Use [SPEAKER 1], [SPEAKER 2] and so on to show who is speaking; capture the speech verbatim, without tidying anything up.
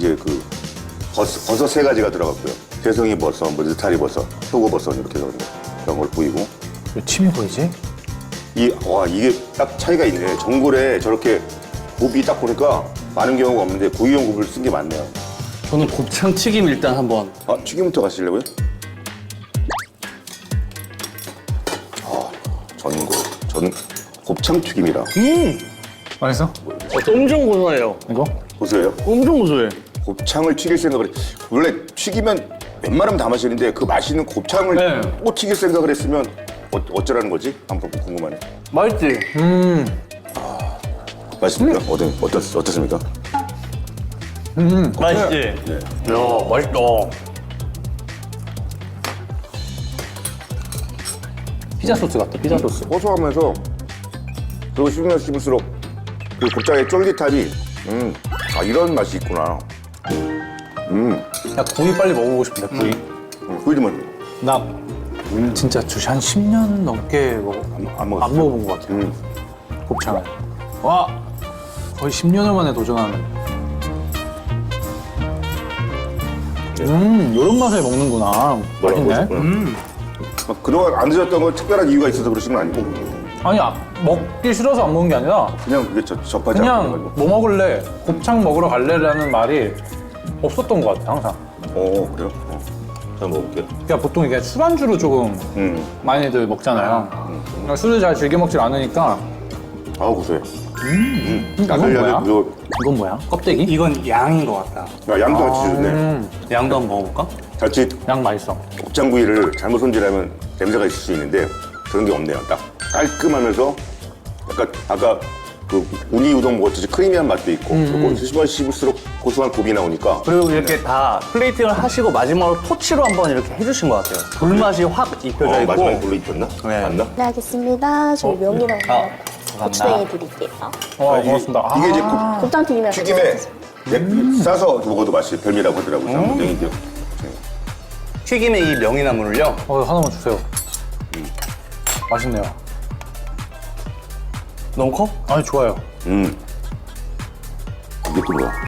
[SPEAKER 1] 이게 그 버섯, 버섯 세 가지가 들어갔고요. 새송이 버섯, 뭐 느타리 버섯, 표고 버섯 이렇게 해서 그런 걸 뿌리고.
[SPEAKER 2] 왜 침이 보이지?
[SPEAKER 1] 이, 와, 이게 딱 차이가 있네. 전골에 저렇게 곱이 딱 보니까 많은 경우가 없는데 고기용 곱을 쓴 게 많네요.
[SPEAKER 3] 저는 곱창 튀김 일단 한번.
[SPEAKER 1] 아, 튀김부터 가시려고요? 아, 전골. 전 곱창 튀김이라.
[SPEAKER 3] 음!
[SPEAKER 2] 맛있어?
[SPEAKER 3] 어, 엄청 고소해요.
[SPEAKER 2] 이거?
[SPEAKER 1] 보세요.
[SPEAKER 3] 엄청 고소해.
[SPEAKER 1] 곱창을 튀길 생각을 해. 원래 튀기면 웬만하면 다 마시는데 그 맛있는 곱창을
[SPEAKER 3] 네.
[SPEAKER 1] 또 튀길 생각을 했으면 어, 어쩌라는 거지? 한번 궁금하네.
[SPEAKER 3] 맛있지?
[SPEAKER 2] 음.
[SPEAKER 1] 맛있습니까? 어떠, 어떻, 어떻습니까?
[SPEAKER 2] 음.
[SPEAKER 3] 맛있지?
[SPEAKER 1] 네.
[SPEAKER 3] 야, 맛있다.
[SPEAKER 2] 피자 소스 같다, 피자 소스.
[SPEAKER 1] 고소하면서 그리고 씹으면 씹을수록 그 곱창의 쫄깃함이 음, 아 이런 맛이 있구나. 음,
[SPEAKER 2] 야, 구이 빨리 먹어보고 싶은데, 구이.
[SPEAKER 1] 음 구이 좀 먹-
[SPEAKER 2] 나 음, 진짜 주시 한 십 년 넘게 먹어,
[SPEAKER 1] 안, 안
[SPEAKER 2] 안
[SPEAKER 1] 먹었어요.
[SPEAKER 2] 먹어본 것 같아요.
[SPEAKER 1] 음,
[SPEAKER 2] 곱창을. 와! 거의 십 년을 만에 도전하는. 음, 이런 맛에 먹는구나.
[SPEAKER 1] 뭐라고
[SPEAKER 2] 맛있네.
[SPEAKER 1] 하셨구나. 막 그동안 안 드셨던 건 특별한 이유가 있어서 그러신 건 아니고
[SPEAKER 2] 아니, 아, 먹기 싫어서 안 먹는 게 아니라
[SPEAKER 1] 그냥 그게 저, 접하지
[SPEAKER 2] 그냥
[SPEAKER 1] 않고.
[SPEAKER 2] 뭐 먹을래? 곱창 먹으러 갈래라는 말이 없었던 것 같아, 항상.
[SPEAKER 1] 어 그래요? 어. 잘 먹을게요.
[SPEAKER 2] 그러니까 보통 이게 술안주로 조금
[SPEAKER 1] 음,
[SPEAKER 2] 많이들 먹잖아요. 그러니까 술을 잘 즐겨 먹질 않으니까.
[SPEAKER 1] 아우 고소해. 음,
[SPEAKER 2] 이건
[SPEAKER 1] 나들려도
[SPEAKER 2] 뭐야?
[SPEAKER 1] 그거
[SPEAKER 2] 이건 뭐야? 껍데기?
[SPEAKER 3] 이건 양인 것 같다.
[SPEAKER 1] 야, 양도 같이 주네.
[SPEAKER 2] 음,
[SPEAKER 3] 양도 한번 먹어볼까?
[SPEAKER 1] 자칫
[SPEAKER 2] 양 맛있어.
[SPEAKER 1] 곱창구이를 잘못 손질하면 냄새가 있을 수 있는데 그런 게 없네요. 딱 깔끔하면서 약간 아까 그 우니 우동 먹었듯이 크리미한 맛도 있고 그리고 씹어 씹을수록 고소한 곱이 나오니까
[SPEAKER 3] 그리고 이렇게 다 플레이팅을 하시고 마지막으로 토치로 한번 이렇게 해주신 것 같아요. 불맛이 확 입혀져
[SPEAKER 1] 어,
[SPEAKER 3] 있고.
[SPEAKER 1] 마지막에 불로 입혔나?
[SPEAKER 3] 네.
[SPEAKER 1] 맞나?
[SPEAKER 4] 네, 알겠습니다. 저희 명이랑
[SPEAKER 3] 아,
[SPEAKER 4] 고추냉이 드릴게요.
[SPEAKER 2] 와,
[SPEAKER 1] 아, 이게-
[SPEAKER 2] 고맙습니다. 아,
[SPEAKER 1] 이게 이제 곱-
[SPEAKER 4] 곱창 튀김이랑 같이
[SPEAKER 1] 튀김에
[SPEAKER 4] 드세요.
[SPEAKER 1] 예, 싸서 먹어도 맛이 별미라고 하더라고요. 쌍무땡이요.
[SPEAKER 3] 튀김의 이 명이나물을요.
[SPEAKER 2] 어, 하나만 주세요. 맛있네요.
[SPEAKER 3] 너무 커?
[SPEAKER 2] 아니, 좋아요.
[SPEAKER 1] 음. 이게 또 뭐야?